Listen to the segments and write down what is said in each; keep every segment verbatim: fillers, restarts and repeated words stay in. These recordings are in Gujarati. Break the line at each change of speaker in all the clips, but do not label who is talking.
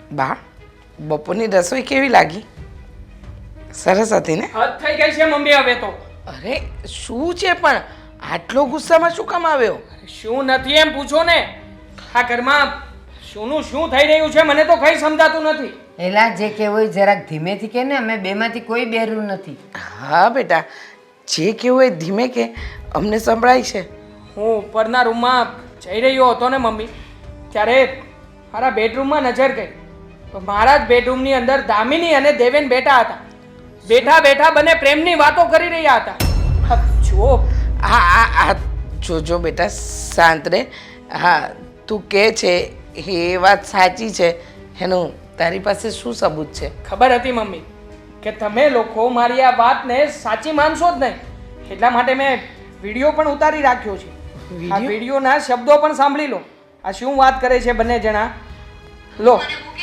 બા બપોરની રસોઈ કેવી લાગી? સરસ હતી ને?
હદ થઈ ગઈ છે મમ્મી હવે તો.
અરે શું છે પણ આટલો ગુસ્સામાં શું કામ આવ્યો?
શું નથી એમ પૂછો ને. આ ઘરમાં શુંનું શું થઈ રહ્યું છે મને તો કઈ સમજાતું નથી.
એલા જે કહેવું હોય જરાક ધીમેથી કે ને, અમે બેમાંથી કોઈ બેરું નથી.
હા બેટા, જે કેવું એ ધીમે કે, અમને સંભળાય છે.
હું ઉપરના રૂમમાં જઈ રહ્યો હતો ને મમ્મી, ત્યારે મારા બેડરૂમમાં નજર ગઈ તો મારા જ બેડરૂમની અંદર દામિની અને દેવેન બેઠા હતા. બેઠા બેઠા બંને પ્રેમની વાતો કરી રહ્યા હતા. હા, જો
હા હા હા જોજો બેટા, શાંત રહે. હા, તું કહે છે એ વાત સાચી છે, એનું તારી પાસે શું સબૂત છે?
ખબર હતી મમ્મી કે તમે લોકો મારી આ વાતને સાચી માનશો જ નહીં, એટલા માટે મેં વિડીયો પણ ઉતારી રાખ્યો છે. આ વિડીયોના શબ્દો પણ સાંભળી લો. આ શું વાત કરે છે બંને જણા, લો.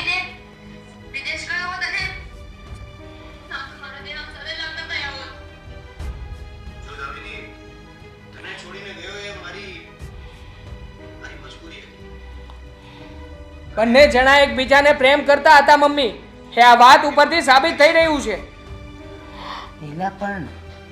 બંને જણા એકબીજાને પ્રેમ કરતા હતા મમ્મી, એ આ વાત ઉપરથી સાબિત થઈ રહ્યું છે.
એલા પણ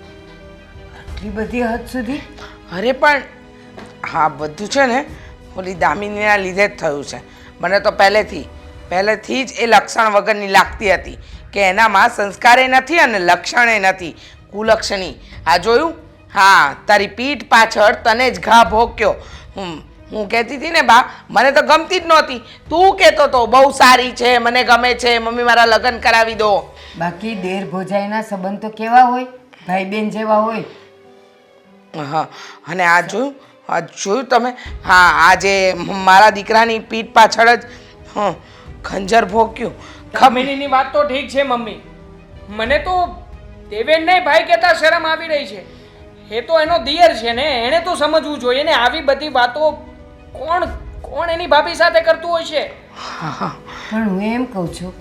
આટલી બધી હદ સુધી?
અરે પણ હા, બધું છે ને ઓલી દામિનીના લીધે જ થયું છે. મને તો પહેલેથી પહેલેથી જ એ લક્ષણ વગરની લાગતી હતી કે એનામાં સંસ્કારે નથી અને લક્ષણે નથી, કુલક્ષણી. આ જોયું? હા, તારી પીઠ પાછળ તને જ ઘા ભોગ્યો. હું હું કહેતી હતી ને બા, મને તો ગમતી જ નહોતી. તું કહેતો તો બહુ સારી છે, મને ગમે છે, મમ્મી મારા લગ્ન કરાવી દો.
બાકી દેર ભોજાઈના સંબંધ તો કેવા હોય, ભાઈ બેન જેવા હોય.
હા, અને આ જોયું? આ જોયું તમે? હા, આજે મારા દીકરાની પીઠ પાછળ જ હં ખંજર ભોગ્યું.
દામિનીની વાત તો ઠીક છે મમ્મી, મને તો દેવેનને ભાઈ કહેતા શરમ આવી રહી છે. એ તો એનો દિયર છે ને, એણે તો સમજવું જોઈએ ને. આવી બધી વાતો કોણ કોણ એની ભાભી સાથે કરતું હોય છે?
પણ હું એમ કહું છું,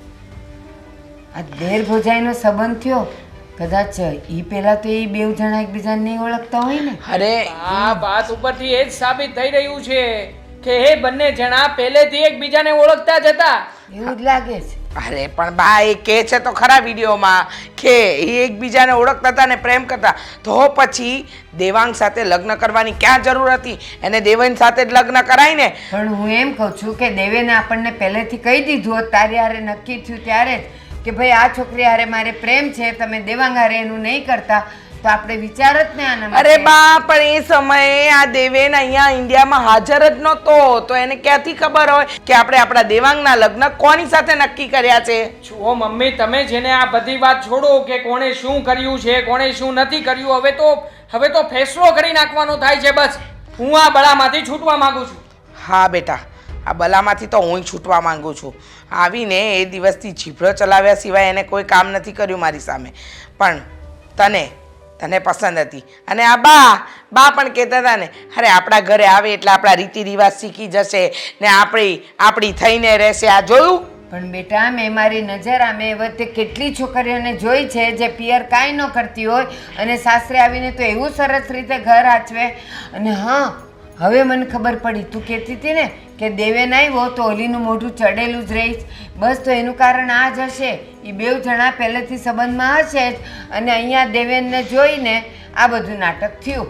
આ દેર ભોજાઈનો સંબંધ થયો, કદાચ ઈ પહેલા તો એ બેવ જણા એકબીજાને નહીં ઓળખતા હોય ને.
અરે
આ વાત ઉપરથી એ જ સાબિત થઈ રહ્યું છે કે એ બંને જણા પહેલેથી એકબીજાને ઓળખતા જ હતા.
એવું જ લાગે છે.
અરે પણ બા, એ કહે છે તો ખરા વિડીયોમાં કે એ એકબીજાને ઓળખતા હતા ને પ્રેમ કરતા, તો પછી દેવાંગ સાથે લગ્ન કરવાની ક્યાં જરૂર હતી? એને દેવાંગ સાથે જ લગ્ન કરાય ને.
પણ હું એમ કહું છું કે દેવેને આપણને પહેલેથી કહી દીધું હોત, તારી હારે નક્કી થયું ત્યારે જ કે ભાઈ આ છોકરી હારે મારે પ્રેમ છે, તમે દેવાંગ હારે એનું નહીં કરતા, તો આપણે વિચાર જ ને આના માટે.
અરે બા, પણ એ સમયે આ દેવેન અહીંયા ઇન્ડિયામાં હાજર જ નહોતો, તો એને ક્યાંથી ખબર હોય કે આપણે આપણા દેવાંગના લગ્ન કોની સાથે નક્કી કર્યા છે?
જુઓ મમ્મી, તમે જેને આ બધી વાત છોડો કે કોણે શું કર્યું છે, કોણે શું નથી કર્યું, હવે તો હવે તો ફેસલો કરી નાખવાનો થાય છે. બસ હું આ બળામાંથી છૂટવા માંગુ છું.
હા બેટા, આ બલામાંથી તો હું છૂટવા માંગુ છું. આવીને એ દિવસથી જીભડો ચલાવ્યા સિવાય એને કોઈ કામ નથી કર્યું મારી સામે. પણ તને તને પસંદ હતી. અને આ બા બા પણ કહેતા હતા ને, અરે આપણા ઘરે આવે એટલે આપણા રીતિ રિવાજ શીખી જશે ને આપણી આપણી થઈને રહેશે. આ જોયું?
પણ બેટા, મેં મારી નજર આ મેં વચ્ચે કેટલી છોકરીઓને જોઈ છે જે પિયર કાંઈ ન કરતી હોય અને સાસરે આવીને તો એવું સરસ રીતે ઘર આચવે. અને હા, હવે મને ખબર પડી, તું કહેતી હતી ને કે દેવેન આવ્યો તો ઓલીનું મોઢું ચડેલું જ રહીશ. બસ તો એનું કારણ આ જ હશે, એ બેવ જણા પહેલેથી સંબંધમાં હશે જ અને અહીંયા દેવેનને જોઈને આ બધું નાટક થયું.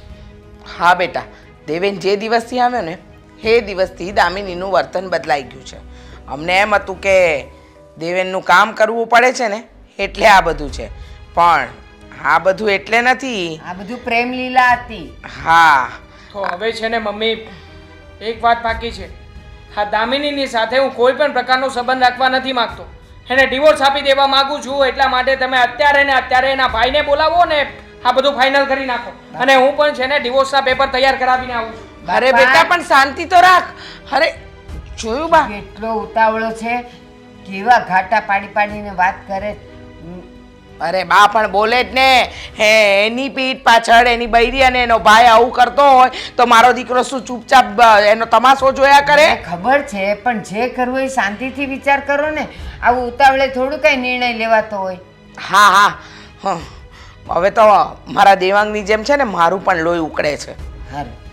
હા બેટા, દેવેન જે દિવસથી આવ્યો ને એ દિવસથી દામિનીનું વર્તન બદલાઈ ગયું છે. અમને એમ હતું કે દેવેનનું કામ કરવું પડે છે ને એટલે આ બધું છે, પણ આ બધું એટલે નથી.
આ બધું પ્રેમ લીલા હતી.
હા,
તો હવે છે ને મમ્મી, એક વાત બાકી છે. હા, દામિનીની સાથે હું કોઈ પણ પ્રકારનો સંબંધ રાખવા નથી માંગતો. એને ડિવોર્સ આપી દેવા માંગુ છું. એટલા માટે તમે અત્યારે ને અત્યારે એના ભાઈને બોલાવો ને આ બધું ફાઇનલ કરી નાખો, અને હું પણ છે ને ડિવોર્સના પેપર તૈયાર કરાવીને આવું છું.
અરે બેટા પણ શાંતિ તો રાખ. અરે જોયું બા,
કેટલો ઉતાવળો છે, કેવા ઘાટા પાડી પાડીને વાત કરે.
અરે બા પણ બોલે જ ને. હે, એની પીઠ પાછળ એની બૈરી અને એનો ભાઈ આવું કરતો હોય તો મારો દીકરો શું ચૂપચાપ એનો તમાશો જોયા કરે?
ખબર છે, પણ જે કરવું એ શાંતિથી વિચાર કરો ને. આવું ઉતાવળે થોડું કઈ નિર્ણય લેવાતો હોય.
હા હા હં. હવે તો મારા દેવાંગની જેમ છે ને મારું પણ લોહી ઉકળે છે.
સારું,